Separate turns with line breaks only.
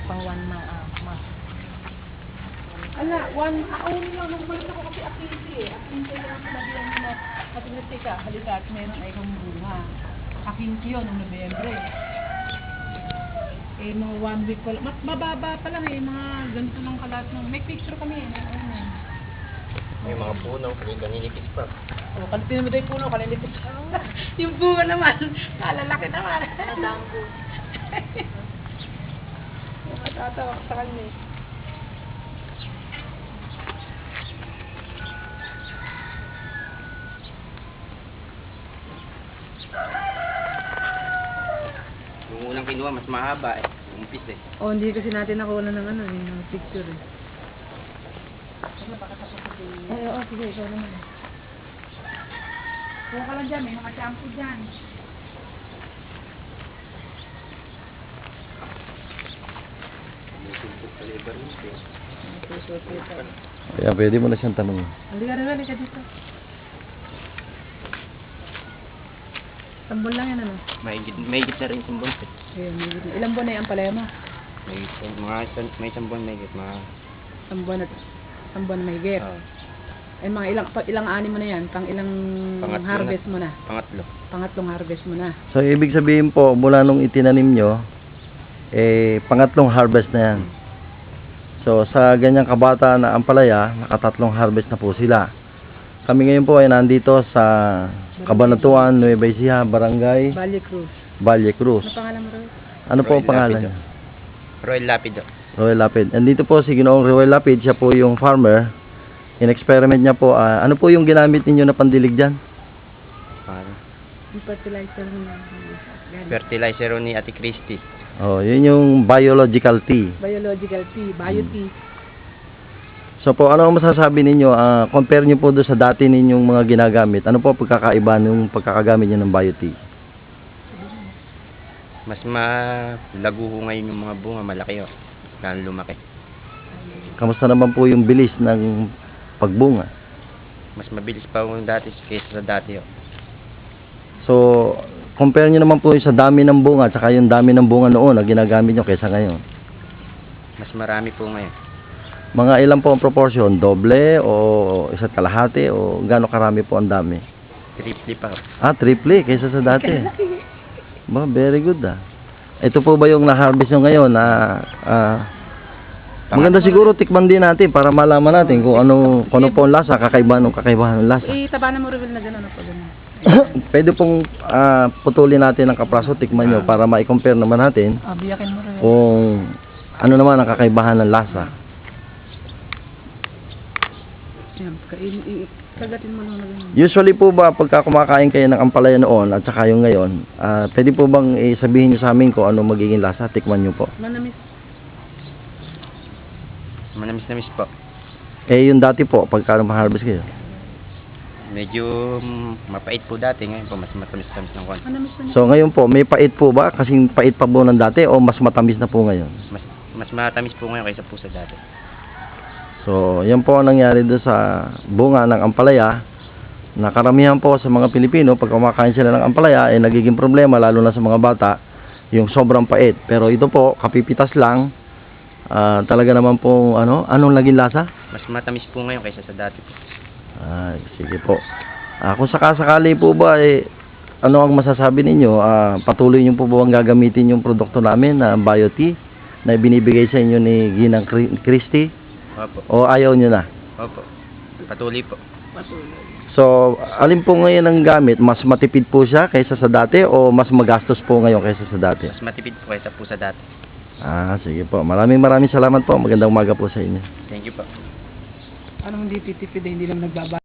pang 1 month.
Ala, only lang nung balik ako kasi Apinti eh. Apinti lang sinabihan mo na, Apinti ka, halika at meron ay kang bunga. Apinti yun, noong Nobyembre. Eh, mga 1 week pa lang. Mababa pa lang eh, mga ganito lang kalat ng. May picture kami eh.
May mga puno, kaninipis pa.
Oh, kanipin mo tayo puno, kaninipis. Yung bunga naman, kalalaki naman.
Nadanggo.
Matatawa ka sa kanya eh.
Yung unang kinuha, mas mahaba eh. Umpis eh.
Oh, hindi kasi natin nakuha ng ano eh, ng picture eh. Ay, oo, sige, ikaw naman. Kuha ka lang dyan, may mga shampoo dyan.
Kaya pwede mo na siyang tanong.
Halika rin, halika dito. Tambol lang yan ano?
Mahigit na rin isang buwan.
Ayun, ilang buwan na yung ampalaya mo?
May isang buwan mahigit.
Isang buwan na mahigit. Eh, mga ilang ani mo na yan? Pang ilang
Pangatlo
harvest
na.
mo na?
Pangatlo.
Pangatlong harvest mo na.
So, ibig sabihin po, mula nung itinanim nyo, pangatlong harvest na yan. So, sa ganyang kabata na ampalaya, nakatatlong harvest na po sila. Kami ngayon po ay nandito sa Cabanatuan, Nueva Ecija, Barangay
Valle Cruz.
Valle Cruz.
Ano pangalan mo rin?
Ano po ang
Royal
pangalan
Lapid,
niya?
Royal Lapid.
Royal Lapid. Andito po si Ginoong Royal Lapid, siya po yung farmer. In-experiment niya po, ano po yung ginamit ninyo na pandilig dyan?
Yung fertilizer mo na.
Fertilizer ni Ate Christy.
Oh, yun yung biological tea.
Biological tea, bio tea.
So po, ano ang masasabi ninyo? Compare nyo po doon sa dati ninyong mga ginagamit. Ano po pagkakaiba ng pagkakagamit nyo ng bio tea?
Mas malago ho ngayon yung mga bunga, malaki oh. Lalo lumaki.
Kamusta naman po yung bilis ng pagbunga?
Mas mabilis pa ho dati kaysa sa dati oh.
So, compare nyo naman po yung sa dami ng bunga at saka yung dami ng bunga noon na ginagamit nyo kaysa ngayon.
Mas marami po ngayon.
Mga ilan po ang proportion? Doble o isa't kalahati o gaano karami po ang dami?
Triple pa ho.
Triple kaysa sa dati. Ba, very good Ito po ba yung na-harvest nyo ngayon na maganda siguro tikman din natin para malaman natin kung ano po ang lasa, kakaibahan ng lasa.
Tabanan mo reveal na gano'n po gano'n.
Pwede pong putulin natin ng kapraso, tikman nyo para ma-compare naman natin
Biyakin mo reveal.
kung ano naman ang kakaibahan ng lasa.
Yan, kagatin mo lang na gano'n.
Usually po ba pagka kumakain kayo ng ampalaya noon at saka yung ngayon, pwede po bang sabihin nyo sa amin kung ano magiging lasa? Tikman nyo po.
Manamis.
Manamis-namis po.
Yung dati po, pagka ma-harvest kayo.
Medyo mapait po dati, ngayon po mas matamis-tamis ng konti.
Manamis na.
So ngayon po, may pait po ba? Kasing pait pa po ng dati o mas matamis na po ngayon?
Mas matamis po ngayon kaysa po sa dati.
So, yan po ang nangyari doon sa bunga ng ampalaya. Na karamihan po sa mga Pilipino, pag kumakain sila ng ampalaya, nagiging problema, lalo na sa mga bata, yung sobrang pait. Pero ito po, kapipitas lang, talaga naman po, anong naging lasa?
Mas matamis po ngayon kaysa sa dati po.
Sige po. Kung sakasakali po ba, ano ang masasabi ninyo? Patuloy nyo po ba ang gagamitin yung produkto namin na bio tea na binibigay sa inyo ni Ginang Christy?
Opo.
O ayaw nyo na?
Opo. Patuloy po.
So, alin po ngayon ang gamit? Mas matipid po siya kaysa sa dati o mas magastos po ngayon kaysa sa dati?
Mas matipid po kaysa po sa dati.
Sige po. Maraming salamat po. Magandang umaga po sa inyo.
Thank you po.
Anong hindi titipid hindi lang nagbaba?